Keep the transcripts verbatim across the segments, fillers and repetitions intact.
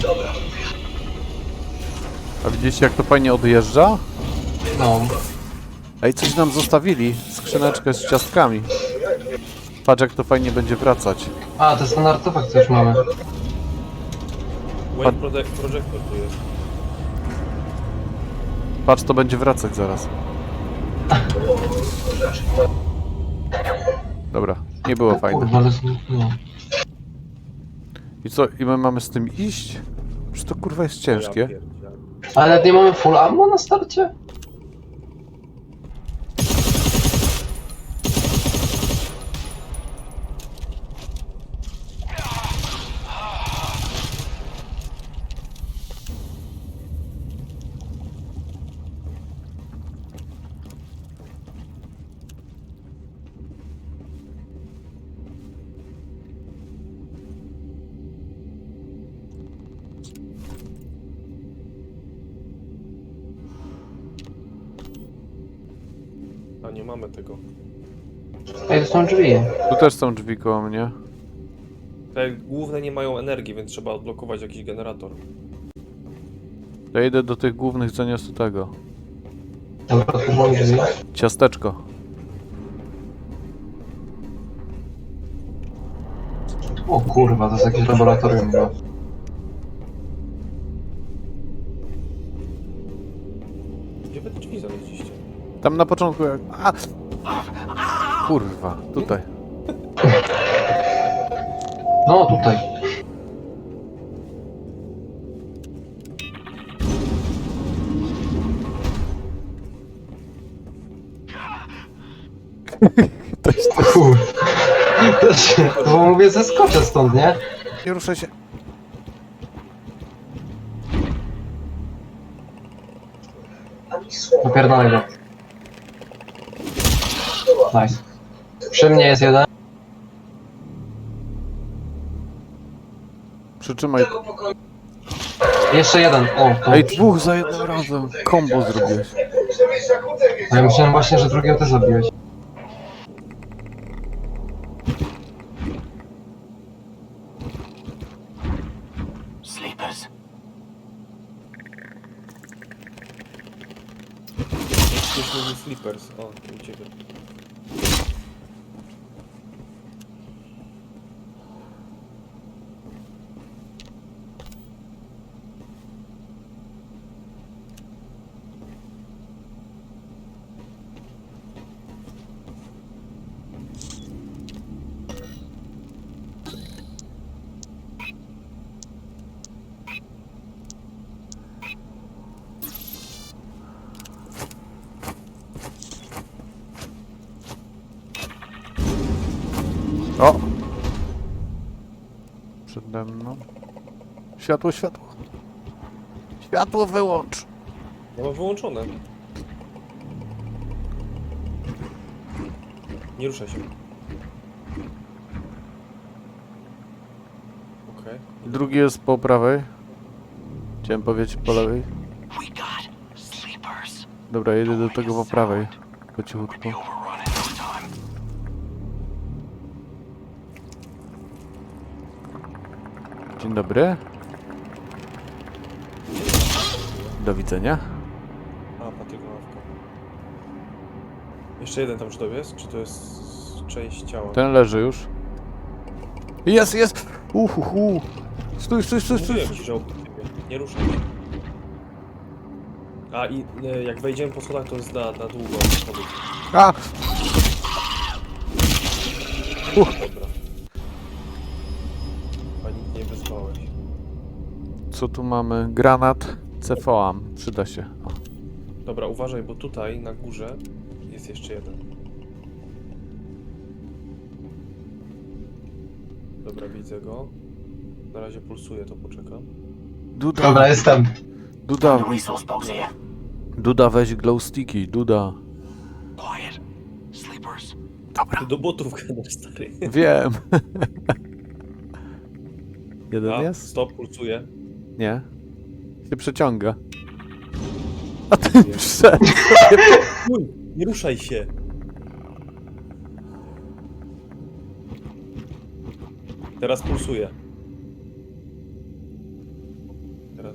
A widzicie, jak to fajnie odjeżdża? No. Ej, coś nam zostawili. Skrzyneczkę z ciastkami. Patrz, jak to fajnie będzie wracać. A, to jest ten artefakt, co już mamy. Wave Project, Projector tu jest. Patrz, to będzie wracać zaraz. Dobra, nie było fajne. Kurwa, ale... No. I co, i my mamy z tym iść? Czy to kurwa jest ciężkie? Ja pierdzielę. Ale nie mamy full ammo na starcie? A nie mamy tego. Ej, to są drzwi. Tu też są drzwi koło mnie. Te główne nie mają energii, więc trzeba odblokować jakiś generator. Ja idę do tych głównych, zaniosę tego. Dobra, tu mam drzwi. Ciasteczko. O kurwa, to jest jakieś laboratorium. No. Gdzie wy te drzwi znaleźliście? Tam na początku jak... A! Kurwa, tutaj. No, tutaj. To jest... Kur... To się... Bo mówię, zeskoczę stąd, nie? Nie ruszaj się. Popierdolę go. Nice. Przy mnie jest jeden. Przytrzymaj. Jeszcze jeden. O, to... Ej, dwóch za jednym razem. Kombo zrobiłeś. A ja myślałem właśnie, że drugiego też zabiłeś. Sleepers. Ktoś mówi Sleepers. O, u ciebie. O! Przede mną. Światło, światło. Światło wyłącz. Ja mam wyłączone. Nie ruszaj się. Okej. Drugi jest po prawej. Chciałem powiedzieć po lewej. We got sleepers. Dobra, jedę do tego po prawej. Po cichutku. Be overrun in no time. Dzień dobry. Do widzenia. A, Patryk ławka. Jeszcze jeden tam, czy to jest? Czy to jest część ciała? Ten leży już. Jest, jest! Uhuhu! Stój, stój, stój, stój! Mówiłem ci, że obok ciebie. Nie ruszaj się. A i e, jak wejdziemy po schodach, to jest na, na długo. Schody. A! Dobra. Pani nie wezwałeś. Co tu mamy? Granat. Cefoam. Przyda się. O. Dobra, uważaj, bo tutaj na górze jest jeszcze jeden. Dobra, widzę go. Na razie pulsuje, to poczekam. Duda, Dobra, jestem. Duda, The resource box here. Duda weź glow sticky. Duda. Quiet. Sleepers. Dobra. Ty do botów gadasz, stary. Wiem. Jeden A, jest? stop, pulsuje. Nie. Się przeciąga. A ty wszedł. Uj, nie ruszaj się. Teraz pulsuje.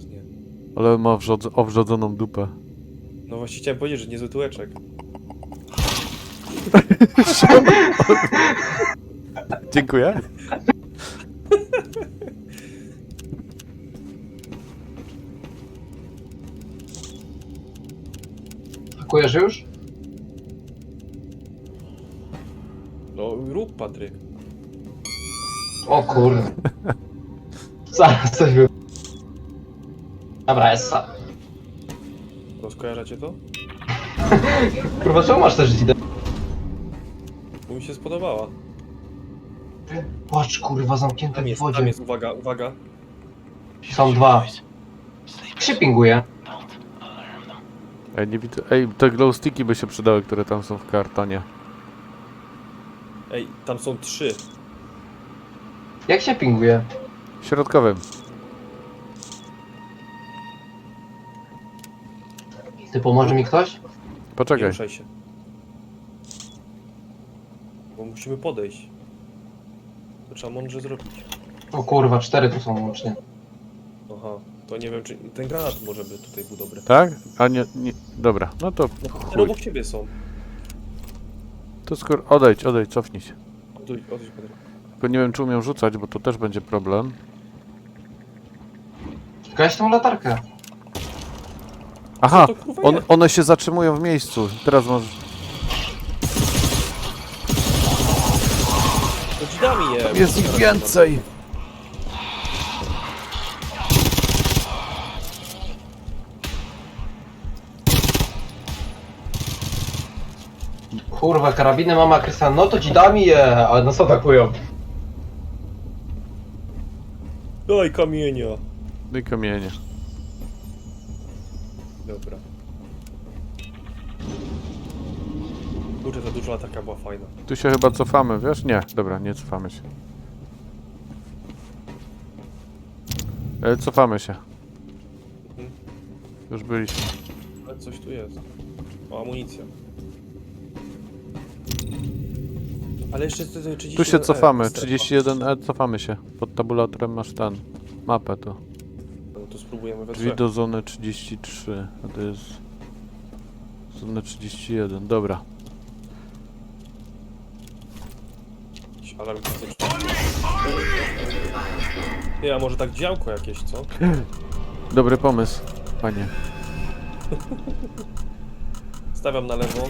teraz nie. Ale ma wrzodz- owrzodzoną dupę. No właśnie chciałem powiedzieć, że niezły tyłeczek. Dziękuję. Pakujesz już? No rób, Patryk. O kurde. Zaraz coś był. Dobra, jest. Rozkojarzacie to? Kurwa, czemu masz też idę? Bo mi się spodobała. Patrz, kurwa, zamknięte Tam w jest, tam wodzie. jest, uwaga, uwaga. Są dwa. Boys. Jak się pinguje? Don't alarm them. Ej, nie widzę. Ej, te glow sticki by się przydały, które tam są w kartonie. Ej, tam są trzy. Jak się pinguje? Środkowym. Ty pomoże mi ktoś? Nie Poczekaj. ruszaj się. Bo musimy podejść. To trzeba mądrze zrobić. O kurwa, cztery tu są łącznie. Aha, to nie wiem czy... Ten granat może by tutaj był dobry. Tak? A nie, nie. Dobra, no to No, chuj. no obok ciebie są. To skoro... Odejdź, odejdź, cofnij się. Odejdź, odejdź, Patryk. Tylko nie wiem, czy umiem rzucać, bo to też będzie problem. Gaś tą latarkę. Aha, Co to, kurwa, on, jest? one się zatrzymują w miejscu. Teraz możesz... To drzwiami je. Jest ich więcej! Kurwa, karabiny mama Krystian, no to ci dam je, ale nas atakują. Daj kamienia. No i kamienie. Dobra. Kurczę, ta duża latarka była fajna. Tu się chyba cofamy, wiesz? Nie, dobra, nie cofamy się. E, cofamy się. Mhm. Już byliśmy. Ale coś tu jest. O, amunicja. Ale jeszcze to- to trzydzieści Tu się jeden E, cofamy, strefa. trzydzieści jeden E, cofamy się. Pod tabulatorem masz ten, mapę tu. No to spróbujemy we Drzwi trzech. do zony trzydzieści trzy, a to jest... Zona trzydzieści jeden, dobra. Jakiś alarm klasyczny. Nie, a może tak działko jakieś, co? Dobry pomysł, panie. Stawiam na lewo.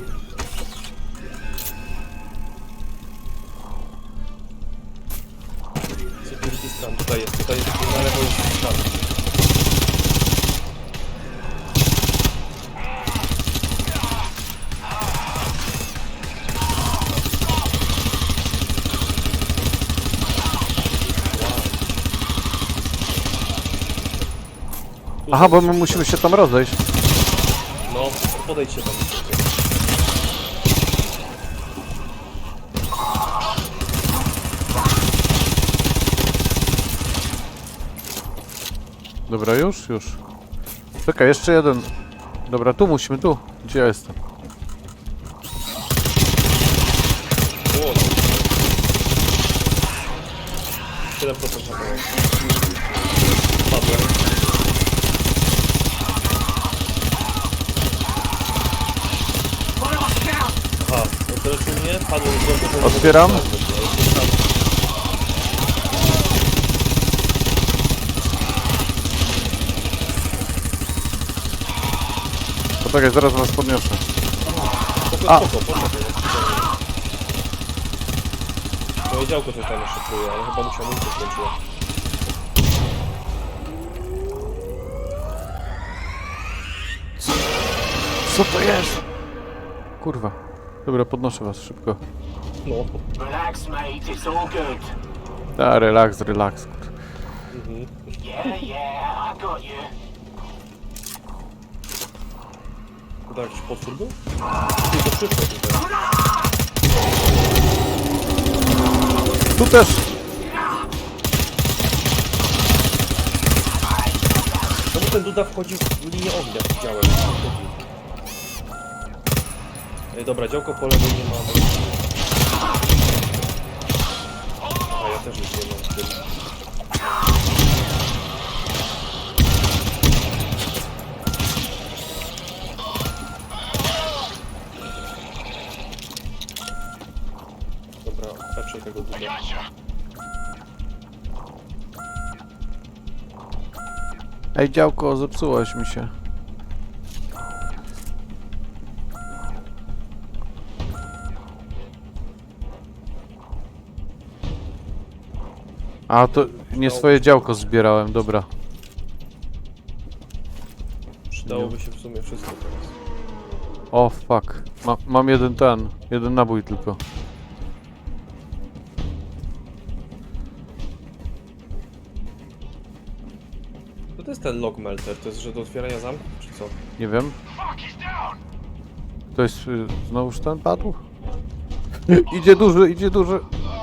Security scan, tutaj jest, tutaj jest, na lewo jest scan. Tu Aha, są bo my trzy. musimy się tam rozejść. No, podejdź się tam. Dobra, już, już. Czekaj, jeszcze jeden. Dobra, tu musimy, tu. Gdzie ja jestem? O, siedem procent na koniec. Padłem. Aha, no teraz u mnie padłem z domku. Otwieram. Poczekaj, zaraz was podniosę. Spoko, A. spoko, poczekaj. Moje działko coś tam jeszcze czuje, ale chyba musiał mu się skończyło. Co to jest? Kurwa. Dobra, podnoszę was szybko. No. Relax, mate. It's all good. A, relaks, relaks. kur- Mhm. Yeah, yeah. I got you. To jakiś potwór był? Ty, to przyszło tutaj. Tu też! Czemu ten Duda wchodził w linię ognia? Widziałem. Ej, dobra, działko po lewej nie ma. A ja też nic nie mam. Ej, działko, zepsułeś mi się. A, to nie swoje działko zbierałem, dobra. Przydałoby się w sumie wszystko teraz. O, fuck. Ma, mam jeden ten, jeden nabój tylko. Co to jest ten log melter? To jest, że do otwierania zamków, czy co? Nie wiem. Ktoś y, znowuż ten padł? Idzie duży, idzie duży.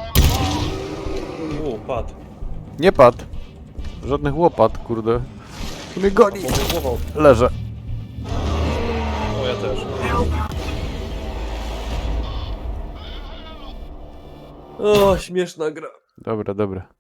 U, padł. Nie padł. Żadnych łopat, kurde. Tu mnie goni. Głował. Leżę. O, ja też. O, śmieszna gra. Dobra, dobra.